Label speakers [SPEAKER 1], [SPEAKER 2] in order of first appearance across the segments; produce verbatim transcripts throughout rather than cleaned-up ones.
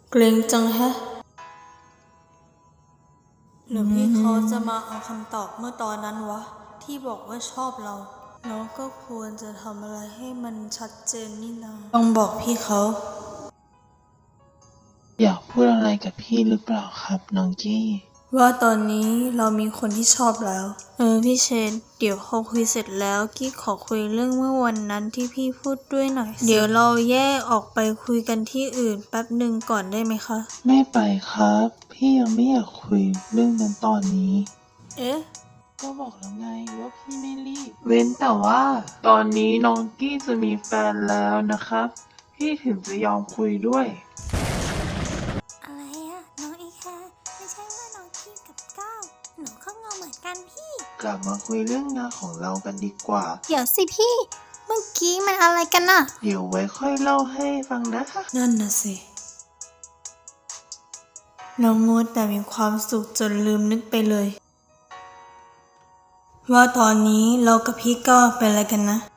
[SPEAKER 1] เกรงจังแฮะหรือพี่เขาจะมาเอาคำตอบเมื่อตอนนั้นวะที่บอกว่าชอบเราเราก็ควรจะทำอะไรให้มันชัดเจนนี่นาต้องบอกพี่เขา
[SPEAKER 2] อยากพูดอะไรกับพี่หรือเปล่าครับน้องกี้
[SPEAKER 1] ว่าตอนนี้เรามีคนที่ชอบแล้วเออพี่เชนเดี๋ยวพอคุยเสร็จแล้วกี้ขอคุยเรื่องเมื่อวันนั้นที่พี่พูดด้วยหน่อยเดี๋ยวเราแยกออกไปคุยกันที่อื่นแป๊บหนึ่งก่อนได้ไหมคะ
[SPEAKER 2] ไม่ไปครับพี่ยังไม่อยากคุยเรื่องนั้นตอนนี้
[SPEAKER 1] เอ๊ะ
[SPEAKER 2] ก็บอกแล้วไงว่าพี่ไม่รีบเว้นแต่ว่าตอนนี้น้องกี้จะมีแฟนแล้วนะครับพี่ถึงจะยอมคุยด้วย
[SPEAKER 3] อะไรอะน้องอีแคร์ไม่ใช่ว่าน้องกี้กับก้าวหนูก็งงเหมือนกันพี่
[SPEAKER 2] กลับมาคุยเรื่องงานของเรากันดีกว่า
[SPEAKER 3] เดี๋ยวสิพี่เมื่อกี้มันอะไรกันน่ะ
[SPEAKER 2] เดี๋ยวไว้ค่อยเล่าให้ฟังนะคะ
[SPEAKER 1] นั่นน่ะสิเรามัวแต่มีความสุขจนลืมนึกไปเลยว่าตอนนี้เรากับพี่ก้าวเป็นอะไรกันนะ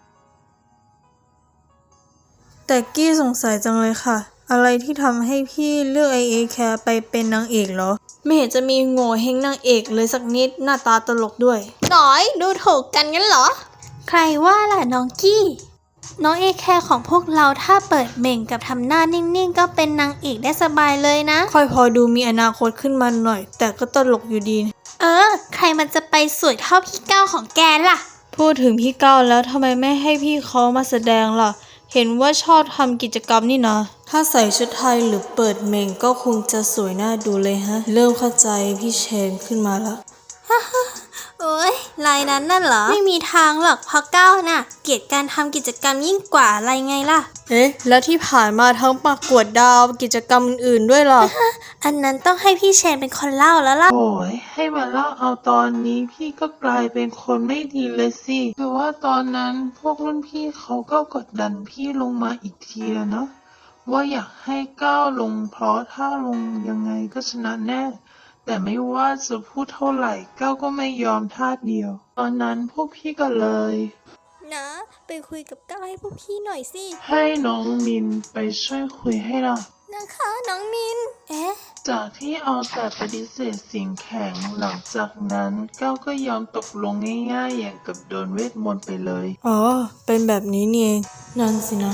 [SPEAKER 1] แต่กี้สงสัยจังเลยค่ะอะไรที่ทำให้พี่เลือกไอเอแคร์ไปเป็นนางเอกเหรอไม่เห็นจะมีโง่เฮงนางเอกเลยสักนิดหน้าตาตลกด้วย
[SPEAKER 3] หน่อยดูถูกกันงั้นเหรอใครว่าล่ะน้องกี้น้องเอแคร์ของพวกเราถ้าเปิดเม่งกับทำหน้านิ่งๆก็เป็นนางเอกได้สบายเลยนะ
[SPEAKER 1] ค่อยพอดูมีอนาคตขึ้นมาหน่อยแต่ก็ตลกอยู่ดี
[SPEAKER 3] เออใครมันจะไปสวยเท่าพี่ก้าวของแกล่ะ
[SPEAKER 1] พูดถึงพี่ก้าวแล้วทำไมไม่ให้พี่เขามาแสดงล่ะเห็นว่าชอบทำกิจกรรมนี่นะถ้าใส่ชุดไทยหรือเปิดเม่งก็คงจะสวยน่าดูเลยฮะเริ่มเข้าใจพี่เชนขึ้นมาแล้ว
[SPEAKER 3] โอ้ยลายนั้นน่ะเหรอไม่มีทางหรอกเพราะก้าวน่ะเกลียดการทำกิจกรรมยิ่งกว่าอะไรไงล่ะ
[SPEAKER 1] เอ๊ะแล้วที่ผ่านมาทั้งประกวดดาวกิจกรรมอื่นๆด้วยหรอ
[SPEAKER 3] อันนั้นต้องให้พี่เชนเป็นคนเล่าแล้วล่ะ
[SPEAKER 2] โอ้ยให้มาเล่าเอาตอนนี้พี่ก็กลายเป็นคนไม่ดีเลยสิคือว่าตอนนั้นพวกรุ่นพี่เขาก็กดดันพี่ลงมาอีกทีแล้วเนาะว่าอยากให้ก้าวลงเพราะถ้าลงยังไงก็ชนะแน่แต่ไม่ว่าจะพูดเท่าไหร่ก้าวก็ไม่ยอมท่าเดียวตอนนั้นพวกพี่ก็เลย
[SPEAKER 3] นะไปคุยกับก้าวให้พวกพี่หน่อยสิ
[SPEAKER 2] ให้น้องมินไปช่วยคุยให้เรา
[SPEAKER 3] นะคะน้องมินเอ๊ะ
[SPEAKER 2] จากที่เอาแต่ปฏิเสธสิ่งแข็งหลังจากนั้นก้าวก็ยอมตกลงง่ายๆอย่างกับโดนเวทมนต์ไปเลย
[SPEAKER 1] อ๋อเป็นแบบนี้นี่เองนั่นสินะ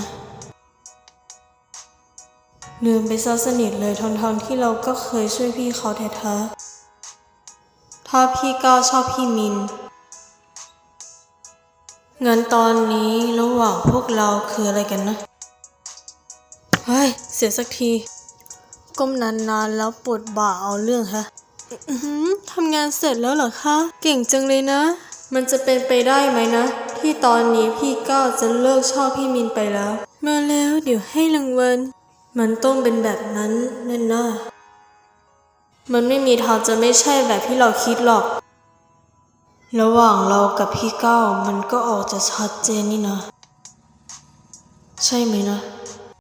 [SPEAKER 1] ลืมไปซะสนิทเลยทั้งๆที่เราก็เคยช่วยพี่เขาแท้ๆถ้าพี่ก้าวชอบพี่มินงั้นตอนนี้ระหว่างพวกเราคืออะไรกันนะเฮ้ยเสียสักทีก้มนานๆแล้วปวดบ่าเอาเรื่องฮะทำงานเสร็จแล้วเหรอคะเก่งจังเลยนะมันจะเป็นไปได้ไหมนะที่ตอนนี้พี่ก้าวจะเลิกชอบพี่มินไปแล้วมาแล้วเดี๋ยวให้รางวัลมันต้องเป็นแบบนั้นแน่น่ามันไม่มีทางจะไม่ใช่แบบที่เราคิดหรอกระหว่างเรากับพี่ก้าวมันก็ออกจะชัดเจนนี่นะใช่ไหมนะ